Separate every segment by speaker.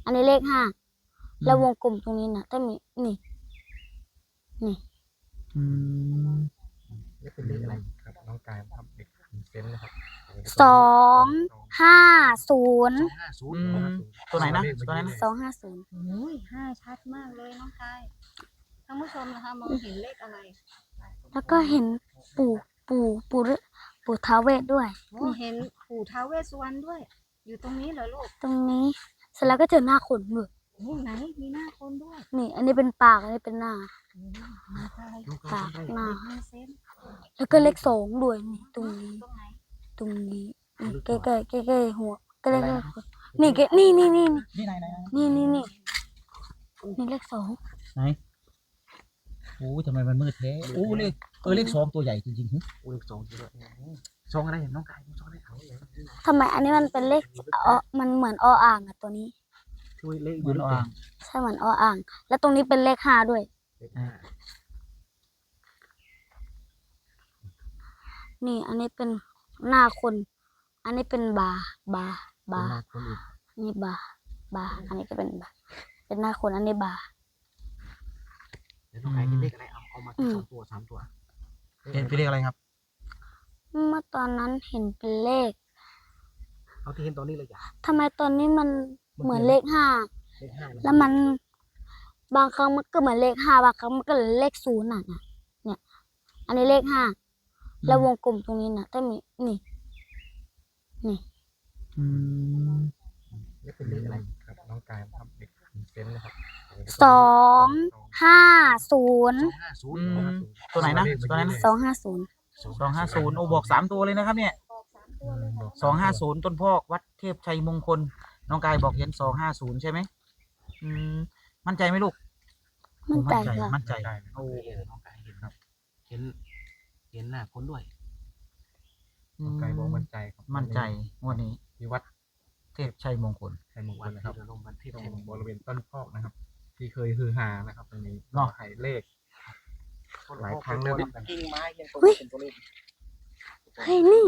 Speaker 1: อันนี้เลขห้าแล้ววงกลมตรงนี้นะต้องมีนี่
Speaker 2: นี่เป็นเลขอะไรครับน้องกายครับเด็กเซนนะครับ
Speaker 1: 250
Speaker 2: ตัวไหนนะตัวไหนนะ
Speaker 1: 250
Speaker 3: ห้าชัดมากเลยน้องกายท่านผู้ชมนะคะมองเห็นเลขอะไร
Speaker 1: แล้วก็เห็นปู่ท้าวเวสด้วย
Speaker 3: เห็นปู่ท้าวเวสสุวรรณด้วยอยู่ตรงนี้เหรอลูก
Speaker 1: ตรงนี้เสร็จแล้วก็เจอหน้าคนด้วย
Speaker 3: ไหนมีหน้าคนด้วย
Speaker 1: นี่อันนี้เป็นปากอันนี้เป็นหน้าปากหน้าแล้วก็เลข2ด้วยนี่ตรงนี้ใกล้หัวก็เลขนี่นี่เลข2
Speaker 4: ไหนโอ้ทำไมมันมืดแท้โอ้เลข2ตัวใหญ่จริงๆ
Speaker 2: เลข2ด้วยซองอะไรเห็นน้องกายซองอะไรเขา
Speaker 1: ทำไมอันนี้มันเป็นเลขมันเหมือนออ่างอะตัวนี้
Speaker 2: ช่วยเลข
Speaker 4: เหมือนอ่าง
Speaker 1: ใช่เหมือนออ่างแล้วตรงนี้เป็นเลข5ด้วยนี่อันนี้เป็นหน้าคนอันนี้เป็นบานี่บาอันนี้ก็เป็นบาเป็นหน้าคนอันนี้บา
Speaker 2: แล้วน้องกายเห็นเลขอะไรเอามา2 ตัว3 ตัว
Speaker 4: เห็นเป็นเลขอะไรครับ
Speaker 1: เมื่อตอนนั้นเห็นเป็นเลข
Speaker 2: เอาที่เห็นตอนนี้เลยจ้ะ
Speaker 1: ทำไมตอนนี้มันเหมือนเลข5แล้วมันบางครั้งมันก็เหมือนเลข5บางครั้งมันก็เลข0น่ะเนี่ยอันนี้เลข5แล้ววงกลมตรงนี้นะต้องมีนี่
Speaker 2: เป็นเลขอะไรครับน้องกายครับเด็กเซนนะครับ
Speaker 1: 250
Speaker 4: ตัวไหนนะตัวไหนนะ250โอ้บอก3ตัวเลยนะครับเนี่ย250ต้นพอกวัดเทพชัยมงคลน้องกายบอกเห็น250ใช่ไหมมั่นใจไหมลูก
Speaker 1: มั่นใจ
Speaker 4: โอ้
Speaker 2: น้องกายเห็นครับเห็นหน้าคนด้วยน้องกายบอกมั่นใจครับ
Speaker 4: มั่นใจงวดนี้
Speaker 2: ที่วัด
Speaker 4: เทพชัยมงคล
Speaker 2: นะครับที่ตรงบริเวณต้นพอกนะครับที่เคยฮือฮานะครับตรงนี้นอกไข่เลขหลายครั้งแล้วกิ่งไม้ยังตรงเป็นตัวเลข
Speaker 1: เฮ้ยนี่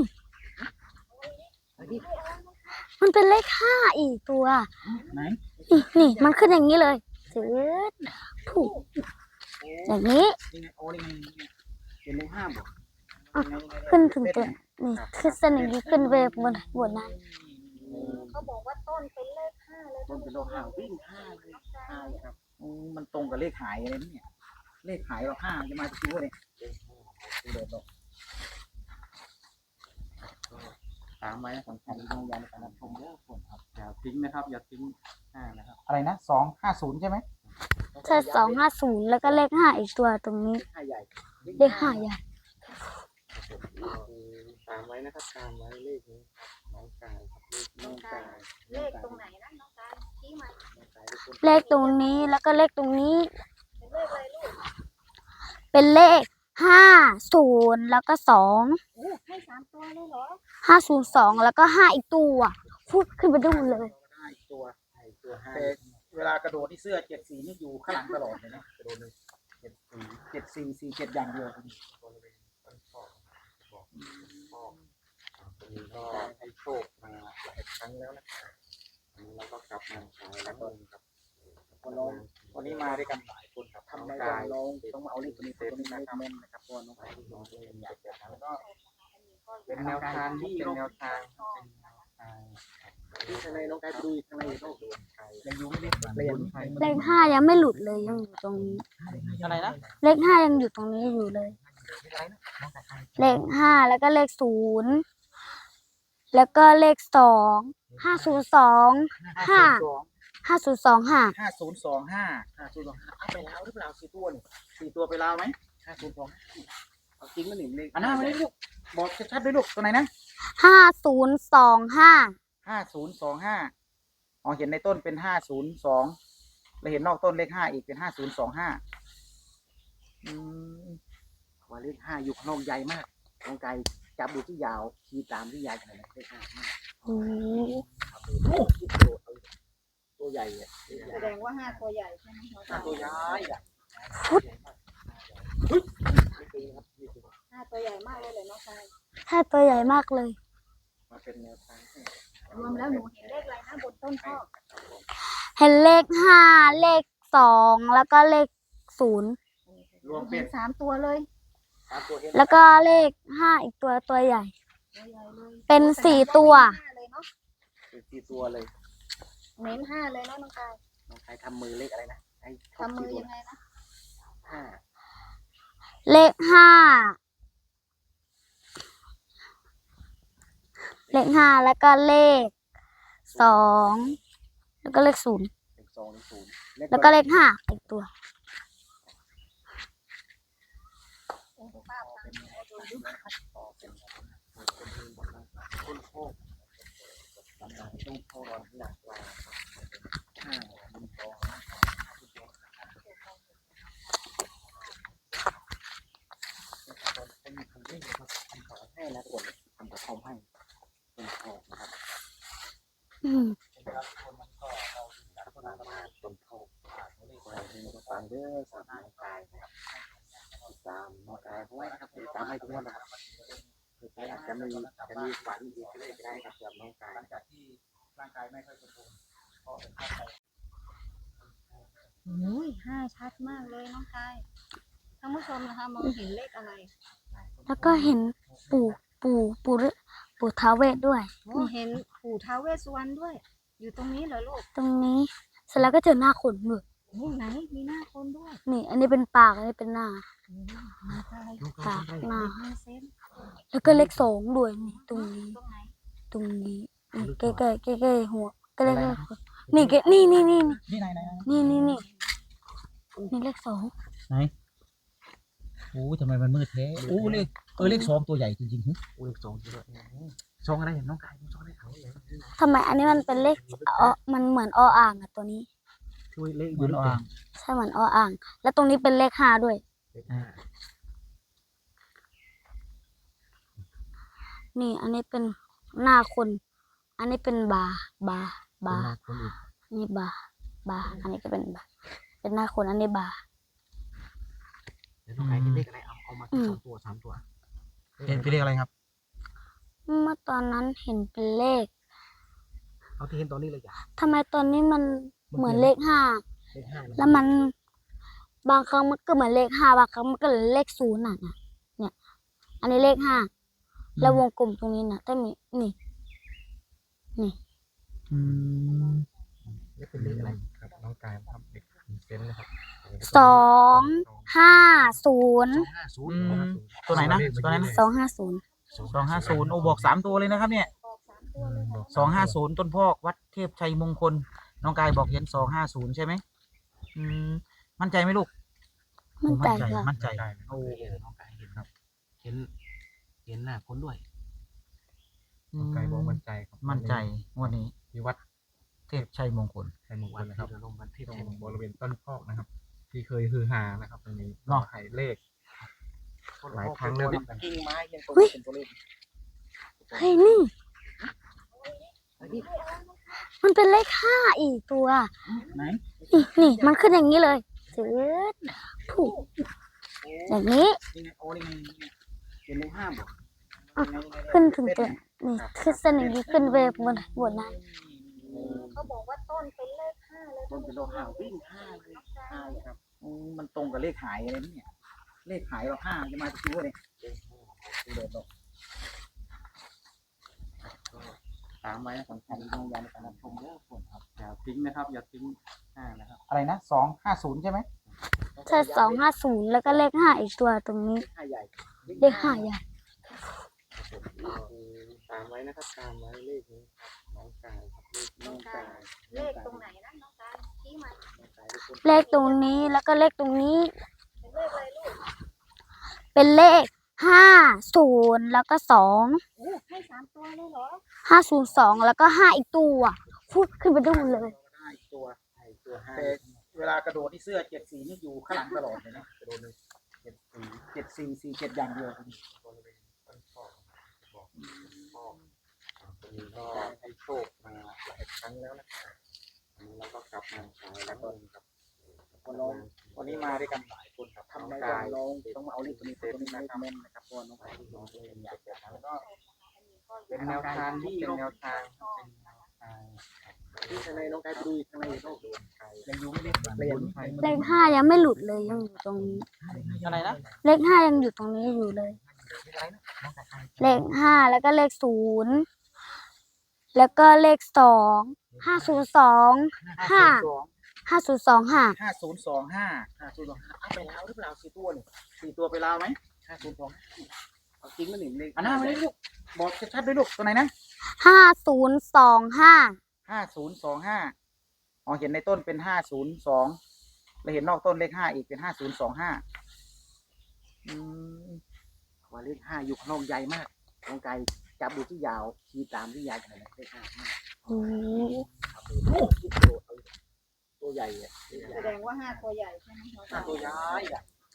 Speaker 1: มันเป็นเลข5อีกตัว
Speaker 4: ไหน
Speaker 1: นี่มันขึ้นอย่างนี้เลยถูกอย่างนี้
Speaker 4: เป็นเลข5บ่
Speaker 1: ขึ้นถึงตัวนี่ขึ้นเส้นอย่างนี้ขึ้นไปบนนั้น
Speaker 3: เขาบอกว่าต้นเป็นเลข5เลย
Speaker 4: ต้นเป็นเลข5วิ่ง5เลย5ครับมันตรงกับเลขหายอะไรเนี่ยเลขหายเรา5จะมาจากตัวเนี่ยตามไว้นะสำคัญต้องย้ำในการรับชมเยอะคนครับอย่าทิ้งนะครับอย่าทิ้งนะครับอะไรนะ250ใช่ไหม
Speaker 1: ใช่250แล้วก็เลข5อีกตัวตรงนี้เลข5ใหญ่
Speaker 2: ตามไว้นะครับตามไว้เลขนี้น้องกายครับ
Speaker 3: เลขตรงไหนนะน้องกายชี้มา
Speaker 1: เลขตรงนี้แล้วก็เลขตรงนี้เป็นเลข50แล้วก็2
Speaker 3: ให้3 ตัวเลยเหรอ
Speaker 1: 502แล้วก็5อีกตัวพูดขึ้นไปดูเลย
Speaker 4: 5อีกตัวแต่เวลากระโดดที่เสื้อ74นี่อยู่ข้างหลังตลอดเลยนะกระโดดเลย7447อย่างเดียว
Speaker 2: ก็ให้โชคมาหลายครั้งแล้วนะครับแล้วก็กลับมาใช้แล้วก็ครับ
Speaker 4: วันนี้มาด้วยกันหลายคนครับทำในการลงต้องมาเอาเลขตัวนี้นะครับเพราะน้องกายน้องเองอยากจะแล้วก็
Speaker 2: เป็นแนวทางที่เป็นแนวทางที่ข้างในน้องกายดูข้างในโลก
Speaker 4: ยังอยู่ไม่ได้เปลี่ยน
Speaker 1: เลข5ยังไม่หลุดเลยยังอยู่ตรงนี้
Speaker 4: อะไรนะ
Speaker 1: เลข5ยังอยู่ตรงนี้อยู่เลยเลข5แล้วก็เลข0แล้วก็เลข2 5025
Speaker 4: ไปแล้วหรือเปล่า4 ตัวนี่4 ตัวไปแล้วไหม502จริงมั้ยนี่เลขหน้าไม่ได้ลูกบอกชัดๆด้วยลูกตัวไหนนะ5025อ๋อเห็นในต้นเป็น502แล้วเห็นนอกต้นเลข5อีกเป็น5025ว่าเลข5อยู่ข้างนอกใหญ่มากน้องไก่จับดูที่ยาวชี้ตามที่ยาวขนาดเลข5มากตัวใหญ่
Speaker 3: แสดงว่า5 ตัวใหญ่ใช่ไหม
Speaker 4: 5 ตัวใหญ่
Speaker 3: 5 ตัวใหญ่มากเลยน้องกาย
Speaker 1: 5 ตัวใหญ่มากเลย
Speaker 4: มาเป็นแนวทาง
Speaker 3: รวมแล้วหนูเห็นเลขอะไรนะบนต้นพอก
Speaker 1: เห็นเลขห้าเลขสองแล้วก็เลขศูนย์
Speaker 2: รวมเป็
Speaker 3: เห็
Speaker 2: น
Speaker 3: น3 ตัวเลย
Speaker 2: 3 ตัวเห็น
Speaker 1: แล้วก็เลขห้าอีกตัวใหญ่
Speaker 3: ตัวใหญ่เลย
Speaker 1: เป็น
Speaker 3: โอ้
Speaker 1: 4 ตัว
Speaker 3: 5เลยเนาะ
Speaker 2: เป็น4 ตัวเลย
Speaker 3: เน้น5เลยเนาะน้องกาย
Speaker 2: น้องใครทำมือเลขอะไรนะให้ชบ
Speaker 3: ทำมือ
Speaker 2: 4ตัว
Speaker 3: ยังไงนะ
Speaker 2: ห้า
Speaker 1: เลขห้าแล้วก็เลขสองแล้วก็เลขศูนย์
Speaker 2: เลข2เลข0
Speaker 1: แล้วก็เลขห้าอีกตัว
Speaker 2: ต้นโพกต้นโพกหนักกว่า5 1 2เป็นคำเรียกนะครับคำขอให้นะทุกคนคำขอคอมให้ต้นโพกนะครับ
Speaker 1: อืม
Speaker 2: ต้นโพกฟังเด้อสามน้องกายนะครับตามน้องกายเพราะว่าครับตามให้ทุกวันนะครับอาจจะมีฝันอีกก็ได้ครับสำหรับน้องกายหลังจากที่ร่างกายไม่ค่อยสมบูรณ์ก็เป็นภาพไป
Speaker 3: โอ้ย5ชัดมากเลยน้องกายท่านผู้ชมนะคะมองเห็นเลขอะไร
Speaker 1: แล้วก็เห็นปู่ท้าวเวสด้วย
Speaker 3: โอ้เห็นปู่ท้าวเวสสุวรรณด้วย อยู่ตรงนี้เหรอลูก
Speaker 1: ตรงนี้เสร็จแล้วก็เจอหน้าคนมือ
Speaker 3: โอ้ไหนมีหน้าคนด้วย
Speaker 1: นี่ อันนี้เป็นปากอันนี้เป็นหน้า
Speaker 3: โอ้น้องกาย
Speaker 1: ปากหน้า
Speaker 3: เห็น5 เซน
Speaker 1: แล้วก็เลขสองด้วยนี่ตรงนี้
Speaker 3: ตรงไหน
Speaker 1: ตรงนี้นี่ใกล้ๆหัวใกล้ๆนี่นี่
Speaker 4: นี่ไหน
Speaker 1: นี่เลขสอง
Speaker 4: ไหนโอ้ทำไมมันมืดแท้โอ้เลขสองตัวใหญ่จริงๆ
Speaker 2: เลข2ด้วย2อะไรน้องกาย2อะไรเขาเลย
Speaker 1: ทำไมอันนี้มันเป็นเลขมันเหมือนออ่างอะตัวนี้
Speaker 2: ช่วยเลข
Speaker 4: เหมือนอ่าง
Speaker 1: ใช่เหมือนออ่าง แล้วตรงนี้เป็นเลขห้าด้วย
Speaker 2: เลข
Speaker 1: นี่ อันนี้เป็นหน้าคน อันนี้เป็นบา
Speaker 2: คนอื่น
Speaker 1: อันนี้บา อันนี้ก็เป็นบา เป็นหน้าคนอันนี้บา
Speaker 2: แล้วน้องกายเห็นเลขอะไรเอามา2 ตัว 3 ตัว
Speaker 4: เป็นเลขอะไรครับ
Speaker 1: เมื่อตอนนั้นเห็นเป็นเลข
Speaker 2: เอาที่เห็นตอนนี้เลยจ้ะ
Speaker 1: ทำไมตอนนี้มันเหมือนเลขห้า
Speaker 2: เลข5
Speaker 1: แล้วมันบางครั้งมันก็เหมือนเลขห้าบางครั้งมันก็เหมือนเลขศูนย์น่ะเนี่ย อันนี้เลขห้าแล้ววงกลมตรงนี้น่ะถ้ามีนี่
Speaker 4: อืม
Speaker 2: นี่เป็นเลขอะไรครับน้องกายทำเด็กเซนนะครับ
Speaker 1: 250
Speaker 4: ตัวไหนนะตัวไหนนะ
Speaker 1: 250
Speaker 4: 250โอ้บอก3ตัวเลยนะครับเนี่ย
Speaker 3: บอก3 ตัวเลย
Speaker 4: 250ต้นพอกวัดเทพชัยมงคลน้องกายบอกเห็น250ใช่ไหมมั่นใจไหมลูก
Speaker 1: มั่นใจค่ะ
Speaker 4: มั่นใจ
Speaker 2: โอ้น้องกายเห็นครับ เห็นหน้าคนด้วย
Speaker 4: น้องกายบอกมั่นใจครับมั่นใจงวดนี้
Speaker 2: ที่วัด
Speaker 4: เทพชัยมงคล
Speaker 2: ชัยมงคลนะครับลงวันที่ตรงบริเวณต้นพอกนะครับ ที่เคยฮือฮานะครับตรงนี้
Speaker 4: เนาะ
Speaker 2: หายเลขหลายครั้งแล้วกิ่งไม้ยังเป็นตัวเลข
Speaker 1: เฮ้ยนี่ มันเป็นเลขห้าอีกตัว
Speaker 4: ไหน
Speaker 1: นี่มันขึ้นอย่างนี้เลยจืดถูกอย่างนี้
Speaker 2: นี่ไงโอ้นี่ไงเป็นเลข5บอก
Speaker 1: ขึ้นถึงตัวนี่ขึ้นเส้นอย่างนี้ขึ้นไปบนนั้น
Speaker 3: เขาบอกว่าต้นเป็นเลข5เลย
Speaker 2: ต้นเป็นเลข5วิ่ง5เลย5เลยครับ
Speaker 4: มันตรงกับเลขหายอะไรเนี่ยเลขหายเรา5จะมาจากตัวเนี่ย
Speaker 2: เดินออกตามไว้สำคัญต้องยาในการรับชมเยอะคนครับอย่าทิ้งนะครับ อย่าทิ้งนะครับ
Speaker 4: อะไรนะ250ใช่ไหม
Speaker 1: ใช่250แล้วก็เลขห้าอีกตัวตรงนี้
Speaker 2: 5ใหญ่
Speaker 1: เลขห้าใหญ่
Speaker 2: ตามไว้นะครับตามไว้เลขนี้ครับน้องกายครับน้องกาย
Speaker 3: เลขตรงไหนนะน้องกายชี้มา
Speaker 1: เลขตรงนี้แล้วก็เลขตรงนี้
Speaker 3: เป็นเลขอะไรลูก
Speaker 1: เป็นเลข50แล้วก็2
Speaker 3: โอ้ให้3 ตัวเลยเหรอ
Speaker 1: 502แล้วก็5อีกตัวพูดขึ้นไปดูเลย
Speaker 2: ได้ตัว5
Speaker 4: แต่เวลากระโดดที่เสื้อ74นี่อยู่ข้างหลังตลอดเลยนะ
Speaker 2: โดนเลย
Speaker 4: 7447อย่างเดียว
Speaker 2: บริเวณต้นพอกบอกตรงนี้ก็ให้โชคมาหลายครั้งแล้วนะครับอันนี้เราก็กลับมาขายแล้วก็ครับ
Speaker 4: วันนี้มาด้วยกันหลายคนครับ
Speaker 2: ทำใน
Speaker 4: น้
Speaker 2: วัน
Speaker 4: น้
Speaker 2: น้
Speaker 4: อ
Speaker 2: อง ง
Speaker 4: ต้องมาเอาเลขตัวนี้ตัวนี้เลขแม่นนะครับเพราะว่าน้อง
Speaker 2: ไปที่น้องเองอยากจะทำ
Speaker 4: แล้วก็
Speaker 2: เป็นแนวทางที่เป็นแนวทางเป็นแนวทางที่ข้างในน้องกายไปดูข้างในโลกดูยังอยู่ไม่ได้เปลี่ยน
Speaker 1: เลขห้ายังไม่หลุดเลยยังอยู่ตรงนี้
Speaker 4: อะไรนะ
Speaker 1: เลขห้ายังอยู่ตรงนี้อยู่เลย เลขห้าแล้วก็เลขศูนย์แล้วก็เลขสอง502
Speaker 4: ห้า
Speaker 1: 5025
Speaker 4: 5025เอาไปแล้วหรือเปล่า4 ตัวนี่4 ตัวไปแล้วไหม
Speaker 2: 502เอาจริงมั้ยนี่เลข
Speaker 4: อันนั้นไม่ได้ลูกบอกชัดๆด้วยลูกตัวไหนนะ
Speaker 1: 5025
Speaker 4: 5025อ๋อเห็นในต้นเป็น502แล้วเห็นนอกต้นเลข5อีกเป็น5025
Speaker 2: ว่าเลข5อยู่ข้างนอกใหญ่มากน้องกายจับดูที่ยาวชี้ตามที่ยาวขนาดนั้นเลข5มาก
Speaker 1: โอ้โห
Speaker 2: ตัวใหญ่อะ
Speaker 3: แสดงว่าห้าตัวใหญ่ใช่ไหมน้องกาย
Speaker 2: ตัวใหญ่อะ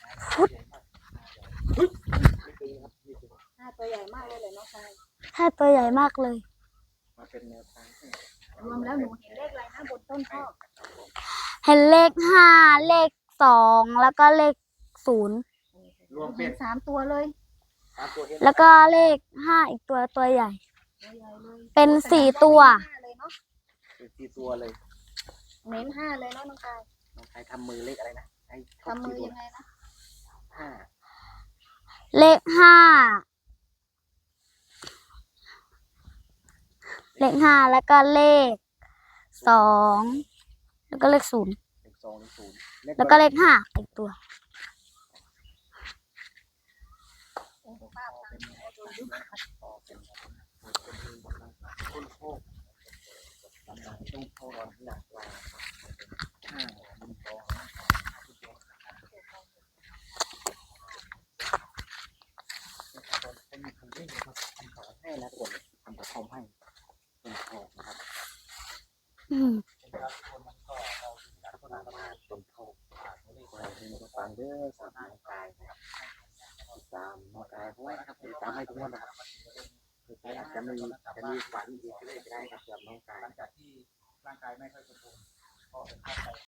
Speaker 3: ห้าตัวใหญ่มากเลยเลยน้องกาย
Speaker 1: ถ้าตัวใหญ่มากเลย
Speaker 2: มาเป็นแนวทาง
Speaker 3: รวมแล้วหนูเห็นเลขอะไรนะบนต้นพ่อ
Speaker 1: เห็นเลข5เลข2แล้วก็เลข0
Speaker 2: รวมเป็
Speaker 3: เห็
Speaker 2: น
Speaker 3: น3 ตัวเลย
Speaker 2: 3 ตัวเห็น
Speaker 1: แล้วก็เลข5อีกตัวใหญ่
Speaker 3: ตัวใหญ่เลย
Speaker 1: เป็น4 ตัว
Speaker 3: ห้าเลยเนาะ
Speaker 2: เป็น4 ตัวเลย
Speaker 3: เน้นห้าเลยเนาะน้องกาย
Speaker 2: น้องกายทำมือเลขอะไรนะให้ครบ
Speaker 3: ทำมือ
Speaker 2: 4 ตัว
Speaker 3: ยังไงนะ
Speaker 2: 5
Speaker 1: เลข5แล้วก็เลข2แล้วก็เลข0
Speaker 2: เลข2เลข0
Speaker 1: แล้วก็เลข5อีกตัว
Speaker 2: ต้นโพกต้นโพกหนักกว่า5มันโตให้นะทุกคนทำกระทอมให้ต้นโพกนะครับ
Speaker 1: อืม
Speaker 2: ต้นโพกอะไรที่มันก็ฟังเด้อสามน้องกายนะครับตามน้องกายเพราะว่าครับตามให้ทุกคนนะครับอาจจะมีฝันอีกก็ได้ครับสำหรับน้องกาย
Speaker 4: หลังจากที่ร่างกายไม่ค่อยสมบูรณ์